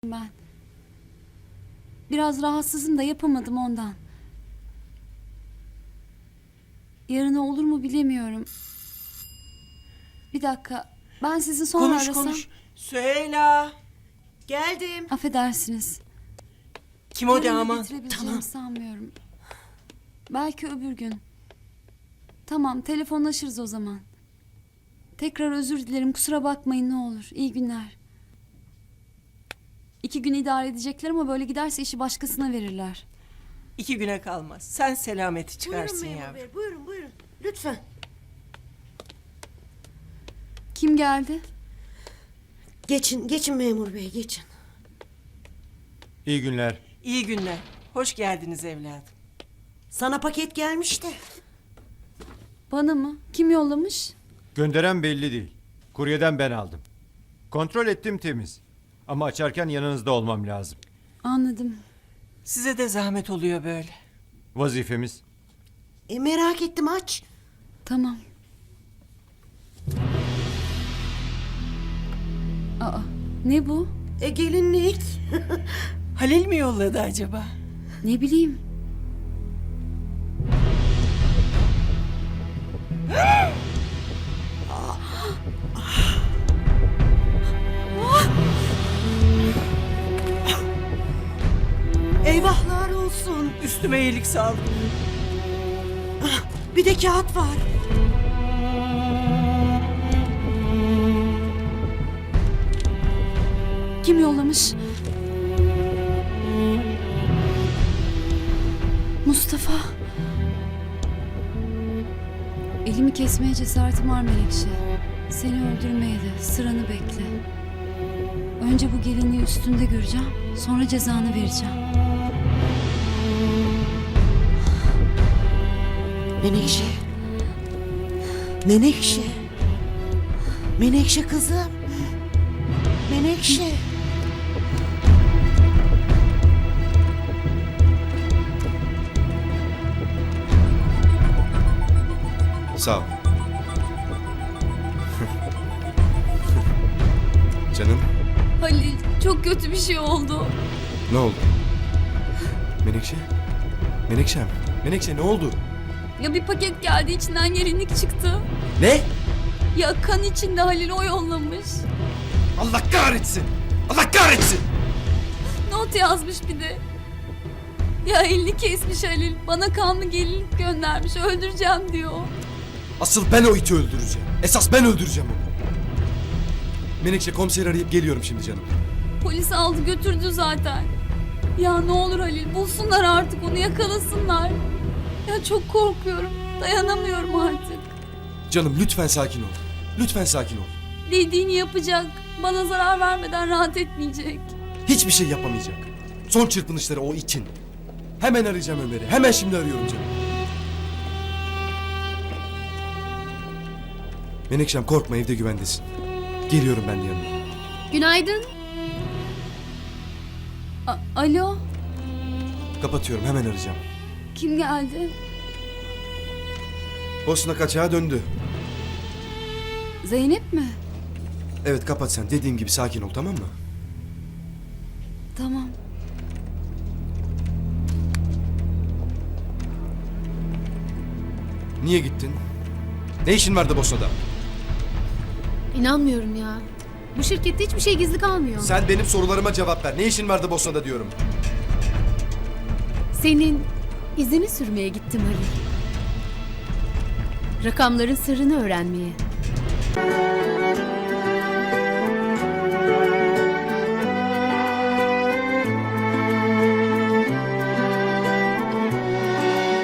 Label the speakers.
Speaker 1: Ben. Biraz rahatsızım da yapamadım ondan. Yarına olur mu bilemiyorum. Bir dakika. Ben sizi sonra
Speaker 2: Konuş
Speaker 1: arasam.
Speaker 2: konuş. Süheyla. Geldim.
Speaker 1: Affedersiniz.
Speaker 2: Kim o
Speaker 1: Yarın da
Speaker 2: damat?
Speaker 1: getirebileceğimi sanmıyorum. Belki öbür gün. Tamam, telefonlaşırız o zaman. Tekrar özür dilerim. Kusura bakmayın ne olur. İyi günler. 2 gün idare edecekler ama böyle giderse işi başkasına verirler.
Speaker 2: 2 güne kalmaz. Sen selameti çıkarsın
Speaker 3: Buyurun memur
Speaker 2: yavrum.
Speaker 3: bey, buyurun buyurun. Lütfen.
Speaker 1: Kim geldi?
Speaker 3: Geçin memur bey, geçin.
Speaker 4: İyi günler.
Speaker 2: İyi günler. Hoş geldiniz evladım.
Speaker 3: Sana paket gelmiş de.
Speaker 1: Bana mı? Kim yollamış?
Speaker 4: Gönderen belli değil. Kuryeden ben aldım. Kontrol ettim temiz. Ama açarken yanınızda olmam lazım.
Speaker 1: Anladım.
Speaker 2: Size de zahmet oluyor böyle.
Speaker 4: Vazifemiz.
Speaker 3: Merak ettim, aç.
Speaker 1: Tamam. Aa, ne bu?
Speaker 3: Gelinlik.
Speaker 2: Halil mi yolladı acaba?
Speaker 1: Ne bileyim.
Speaker 3: Eyvahlar olsun.
Speaker 2: Üstüme iyilik sağlık.
Speaker 3: Bir de kağıt var.
Speaker 1: Kim yollamış? Mustafa. Elimi kesmeye cesaretim var Melekşe. Seni öldürmeye de sıranı bekle. Önce bu gelinliği üstünde göreceğim. Sonra cezanı vereceğim.
Speaker 3: Menekşe. Menekşe. Menekşe kızım. Menekşe.
Speaker 5: Sağ ol. Canım,
Speaker 1: Halil, çok kötü bir şey oldu.
Speaker 5: ne oldu? Menekşe? Menekşem, Menekşe ne oldu?
Speaker 1: Ya bir paket geldi, içinden gelinlik çıktı.
Speaker 5: Ne?
Speaker 1: Ya kan içinde, Halil o yollamış.
Speaker 5: Allah kahretsin! Allah kahretsin!
Speaker 1: Not yazmış bir de. Ya elini kesmiş Halil. Bana kanlı gelinlik göndermiş. Öldüreceğim diyor.
Speaker 5: Asıl ben o iti öldüreceğim. Esas ben öldüreceğim onu. Menekşe, komiseri arayıp geliyorum şimdi canım.
Speaker 1: Polis aldı götürdü zaten. Ya ne olur Halil, bulsunlar artık onu, yakalasınlar. Ya çok korkuyorum. Dayanamıyorum artık.
Speaker 5: Canım lütfen sakin ol. Lütfen sakin ol.
Speaker 1: Dediğini yapacak. Bana zarar vermeden rahat etmeyecek.
Speaker 5: Hiçbir şey yapamayacak. Son çırpınışları o itin. Hemen arayacağım Ömer'i. Hemen şimdi arıyorum canım. Menekşem korkma, evde güvendesin. Geliyorum ben de yanına.
Speaker 1: Günaydın. Alo,
Speaker 5: Kapatıyorum, hemen arayacağım.
Speaker 1: kim geldi?
Speaker 5: Bosna kaçağa döndü.
Speaker 1: Zeynep mi?
Speaker 5: Evet, kapat sen. Dediğim gibi sakin ol, tamam mı?
Speaker 1: Tamam.
Speaker 5: Niye gittin? Ne işin vardı Bosna'da?
Speaker 6: İnanmıyorum ya. Bu şirkette hiçbir şey gizli kalmıyor.
Speaker 5: Sen benim sorularıma cevap ver. Ne işin vardı Bosna'da diyorum.
Speaker 6: Senin izini sürmeye gittim Halil. Rakamların sırrını öğrenmeye.